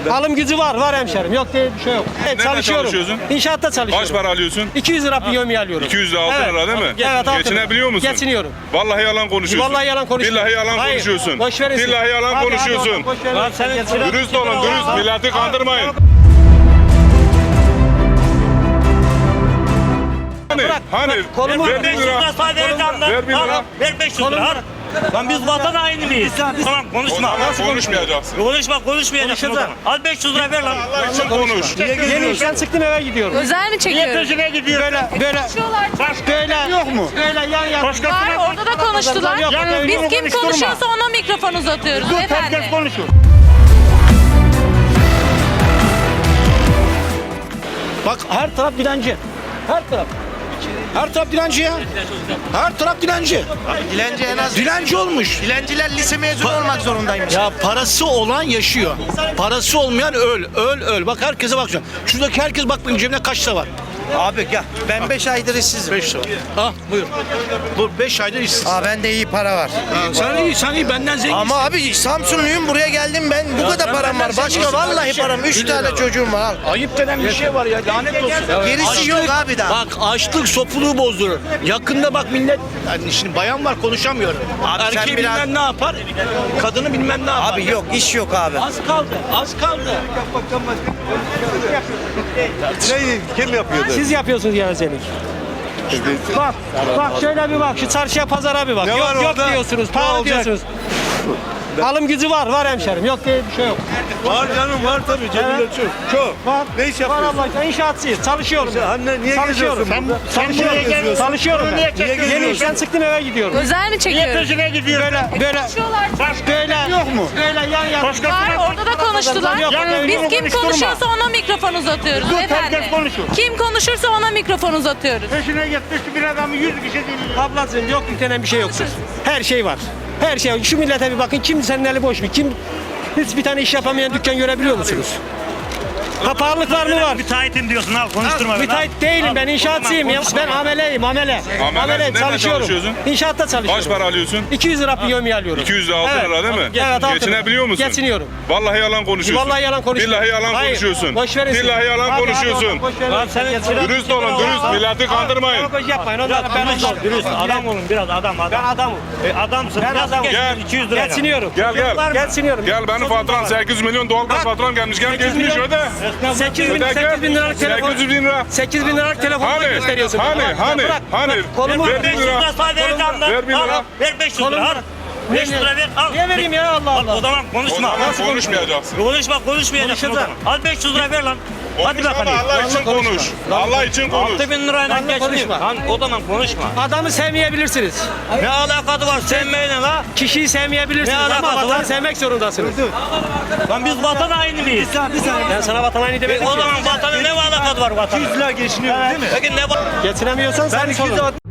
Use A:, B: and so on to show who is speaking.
A: Alım gücü var hemşerim. Yok diye bir şey yok. Evet,
B: Nerede çalışıyorsun?
A: İnşaatta çalışıyorum.
B: Kaç para alıyorsun?
A: 200 lira yevmiye alıyorum.
B: 200 lira 6 lira değil mi?
A: Evet, 6 lira.
B: Geçinebiliyor musun?
A: Geçiniyorum.
B: Vallahi yalan konuşuyorsun.
A: Vallahi yalan konuşmuyorum.
B: Billahi yalan
A: Hayır,
B: konuşuyorsun.
A: boş verin siz.
B: Billahi yalan
A: Hadi,
B: konuşuyorsun.
A: hadi, boş verin.
B: Dürüst olun, dürüst. Milleti kandırmayın. Hani?
A: kolumu-
B: Ver 1 lira. Ver 1 lira.
C: Ver 500 lira. Al. Lan biz vatan haini miyiz? Tamam konuşma.
B: Konuşmayacaksın.
C: Konuşmayacaksın o zaman. Al 500 lira ver lan.
B: Allah için konuş.
A: Yeni işten çıktım eve gidiyorum.
D: Özel mi
C: Niye
D: çekiyoruz?
C: peşine gidiyor?
A: Böyle yok mu? Böyle yan yana.
D: Var, orada da konuştular.
A: Yok, yok,
D: Biz
A: yok,
D: kim
C: konuşturma.
D: konuşuyorsa ona mikrofon uzatıyoruz efendim.
C: Herkes konuşuyor.
A: Bak her taraf dilenci. Her taraf. Her taraf dilenci ya. Her taraf dilenci.
E: Dilenci en az
A: Dilenci olmuş.
E: dilenciler lise mezunu olmak zorundaymış.
A: Ya parası olan yaşıyor. Parası olmayan öl. Bak herkese bak. Şuradaki herkes bak benim cebimde kaç lira var.
E: Abi gel. Ben 5 aydır işsizim.
A: 5 lira. Ah buyur. Bu 5 aydır işsiz.
E: Aa bende iyi para var.
A: Sen iyi benden zenginsin.
E: Ama abi Samsunluyum, buraya geldim ben. Bu kadar param var. Başka vallahi param. 3 tane çocuğum var. Al.
A: Ayıp denen bir şey var ya, lanet olsun.
E: Gerisi yok abi daha.
A: Bak açlık sopuluğu bozdurur. Yakında bak millet, yani şimdi bayan var konuşamıyorum.
E: Abi sen
A: Erkeği
E: biraz-
A: bilmem ne yapar, kadını bilmem ne yapar.
E: Abi yok, iş yok abi.
A: Az kaldı.
F: Kim yapıyordu?
A: Siz yapıyorsunuz gevezelik. Bak şöyle bir bak, şu çarşıya pazara bir bak.
F: Ne
A: Yok
F: var
A: yok
F: orada?
A: diyorsunuz,
F: Ne
A: pahalı
F: olacak?
A: diyorsunuz. Alım gücü var hemşerim. Yok diye bir şey yok.
F: Var canım var tabii cebinde çok.
A: Var.
F: Ne iş
A: Var
F: yapıyorsun?
A: Allah, inşaatçıyız. Çalışıyorum.
F: Anne niye
A: Çalışıyorum.
F: geziyorsun burada?
A: Çalışıyorum.
F: Niye geziyorsun?
A: Çalışıyorum ben.
C: Niye geziyorsun?
A: Yeni işten çıktım eve gidiyorum.
D: Özel mi
C: Niye
D: çekiyoruz?
C: peşine gidiyor?
A: Böyle yok mu? Böyle yan yana.
D: Var, orada da konuştular.
A: Yok,
D: Biz kim
C: konuşturma.
D: konuşuyorsa ona mikrofon uzatıyoruz efendim.
C: herkes konuşuyor.
D: Kim konuşursa ona mikrofon uzatıyoruz.
C: Peşine gitmiş bir adamı 100 kişi dinliyor.
A: Ablacığım yok yüklenen bir şey yoktur. Her şey var. Her şey var. Şu millete bir bakın, kim senin eli boş mu? Kim hiç bir tane iş yapamayan dükkan görebiliyor musunuz? Ha pahalılık var mı? Var.
C: Müteahhitim diyorsun al konuşturma beni.
A: Müteahhit değilim ben, inşaatçıyım. Ben ameleyim, amele.
B: Nerede
A: Çalışıyorum.
B: çalışıyorsun?
A: İnşaatta çalışıyorum.
B: Kaç para alıyorsun?
A: 200 lira yevmiye alıyorum.
B: 200 lira 6 lira değil mi?
A: Evet, 6 lira.
B: Geçinebiliyor musun?
A: Geçiniyorum.
B: Vallahi yalan konuşuyorsun.
A: Vallahi yalan konuşmuyorum.
B: Billahi yalan
A: Hayır,
B: konuşuyorsun.
A: boş verin siz.
B: Billahi yalan
A: Hadi,
B: konuşuyorsun.
A: hadi, boş verin.
C: Lan senin
A: Geçiniyorum.
B: Dürüst olun, dürüst. Milleti kandırmayın.
A: Demagoji yapmayın. Onlara ben
C: Dürüst, dürüst. Adam olun biraz adam.
A: Ben adamım.
C: Adamsın.
A: Ben
C: Nasıl
A: adamım.
C: geçiniyorsun?
B: Gel.
C: 200 lira.
A: Geçiniyorum.
B: Gel.
A: Geçiniyorum.
B: Gel benim faturam 800 milyon doğalgaz faturam gelmiş. Gel
A: 800
B: geçmiş
A: milyon.
B: öde.
A: 8 bin liralık telefon.
B: 800 bin lira.
A: 8 bin liralık telefonu gösteriyorsun.
B: Hani?
A: Kolumu
B: Ver
C: 500 lira sadece vereceğim lan.
B: Ver 1 lira.
C: Al, ver 500 lira al. 500 lira ver al.
A: Niye vereyim ya, Allah
C: Al, o
A: Allah.
C: zaman
B: O
C: konuşma.
B: zaman konuşmayacaksın.
C: Konuşmayacaksın o zaman. Al 500 lira ver lan. Hadi
B: Konuş ama
C: bakalım.
B: Allah için konuş. Allah için konuş.
C: 6000 lirayla
A: Lan
C: geçmiyor.
A: konuşma.
C: Lan o zaman konuşma.
A: Adamı sevmeyebilirsiniz.
C: Ne alakası var sevmeyle la?
A: Kişiyi sevmeyebilirsiniz
C: Ne
A: ama
C: alakası
A: vatanı
C: var?
A: sevmek zorundasınız.
C: Lan biz vatan haini miyiz?
A: Ben sana vatan haini demedim
C: O
A: ki.
C: zaman vatanın ne alakası var vatanın?
F: 200 lira geçiniyor değil mi?
C: Peki ne var?
A: Getiremiyorsan sen sorun.